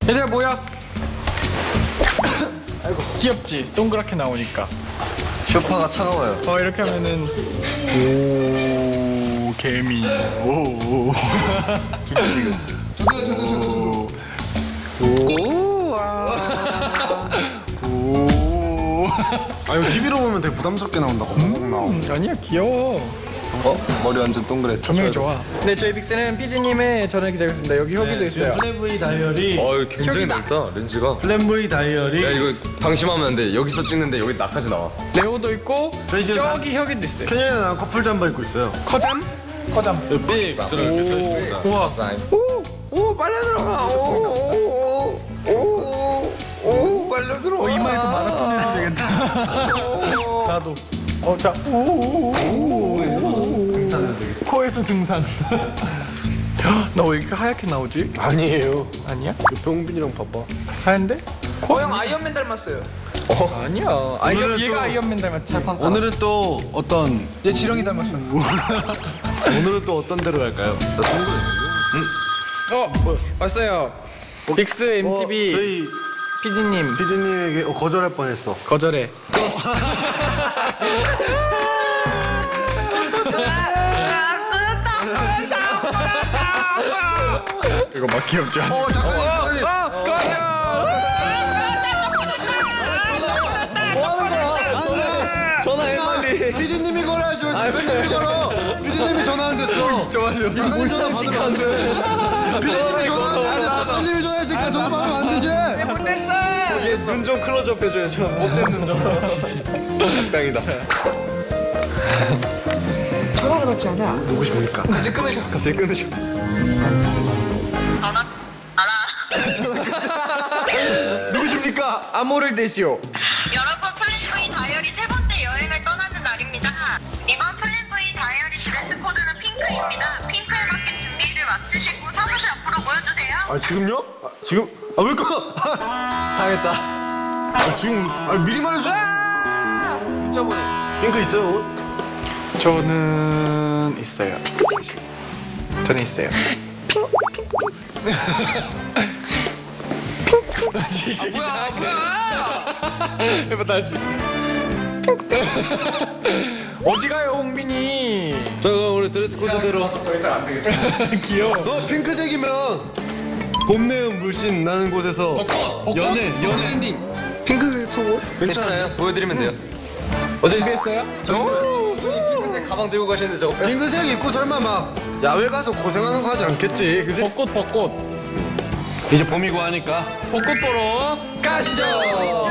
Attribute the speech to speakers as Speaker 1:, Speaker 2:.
Speaker 1: 얘들아 뭐야? 아이고 귀엽지? 동그랗게 나오니까.
Speaker 2: 쇼파가 차가워요.
Speaker 1: 이렇게 하면은 오 개미. 오.
Speaker 3: 저도.
Speaker 1: 오.
Speaker 4: 아 이거 TV로 보면 되게 부담스럽게 나온다고.
Speaker 1: 아니야 귀여워.
Speaker 2: 머리 완전 동그래.
Speaker 1: 조명이 좋아. 네 저희 빅스는 PD님의 전화를 기다리고 있습니다. 여기 혁이도 있어요.
Speaker 4: 플랜브이 다이어리.
Speaker 2: 이거 굉장히
Speaker 1: 여기다.
Speaker 2: 넓다 렌즈가.
Speaker 4: 플랜브이 다이어리.
Speaker 2: 야 이거 방심하면 안 돼. 여기서 찍는데 여기 나까지 나와.
Speaker 1: 레오도 있고
Speaker 4: 저희 지금
Speaker 1: 저기 혁이도 있어요.
Speaker 4: 캐년이랑 나랑 커플 잠바 입고 있어요.
Speaker 1: 커잠? 커잠.
Speaker 2: 빅스를 이렇게 써 있습니다.
Speaker 1: 우와.
Speaker 2: 오 빨려 들어가. 오 빨려 들어가.
Speaker 1: 이마에서 마라톤 해도 되겠다. 나도. 자. 코에서 등산. 나 왜 이렇게 하얗게 나오지?
Speaker 4: 아니에요.
Speaker 1: 아니야?
Speaker 4: 병빈이랑 바빠.
Speaker 1: 하얀데?
Speaker 3: 형 아이언맨 닮았어요.
Speaker 1: 아니야.
Speaker 4: 오늘은
Speaker 1: 얘가
Speaker 4: 또-
Speaker 1: 아이언맨 닮았지.
Speaker 4: 오늘은 또 어떤
Speaker 3: 얘 지렁이 닮았어.
Speaker 4: 오늘은 또 어떤 데로 갈까요?
Speaker 1: 왔어요. 빅스 MTV
Speaker 4: 저희
Speaker 1: PD님
Speaker 4: PD님에게 거절할 뻔했어.
Speaker 1: 거절해. 이거 막 귀엽죠?
Speaker 4: 작가님.
Speaker 2: 전화해 빨리.
Speaker 4: PD님이 걸어야죠. 작가님이 걸어. PD님이 전화 안 됐어. 진짜 맞아. 작가님 전화 받으면 안 돼. PD님이 전화 안 돼. 작가님이 전화했으니까 전화 받으면 안 되지.
Speaker 2: 눈 좀 클로즈업 해줘야죠. 못된 눈 좀. 악당이다.
Speaker 3: 전화를 받지 않아.
Speaker 4: 누구십니까?
Speaker 3: 이제 끊으셔.
Speaker 2: 갑자기 끊으셔.
Speaker 4: 누구십니까?
Speaker 1: 암호를 대시오.
Speaker 5: 여러분 플랜브이 다이어리 세 번째 여행을 떠나는 날입니다. 이번 플랜브이 다이어리 드레스 코드는 핑크입니다. 핑크에 맞게 준비를 마치시고 사무실 앞으로 모여주세요.
Speaker 4: 아 지금요? 지금? 왜 꺼?
Speaker 2: 당했다.
Speaker 4: 지금 미리 말해줘. 진짜 보네. 핑크 있어요 옷?
Speaker 1: 저는 있어요. 저는 있어요. 해봐 다시. 어디 가요 홍빈이?
Speaker 4: 자 그럼 우리 드레스 코드대로.
Speaker 1: 더 이상 안 되겠어. 귀여워.
Speaker 4: 너 핑크색이면 봄 내음 물씬 나는 곳에서 연애 엔딩.
Speaker 3: 핑크색 속옷?
Speaker 2: 괜찮아요? 보여드리면 돼요.
Speaker 1: 준비했어요?
Speaker 2: 핑크색 가방 들고 가시는데 저거 뺐어.
Speaker 4: 핑크색 입고 설마 막 야외 가서 고생하는 거 하지 않겠지? 그지?
Speaker 1: 벚꽃
Speaker 4: 이제 봄이고 하니까
Speaker 1: 벚꽃 보러 가시죠.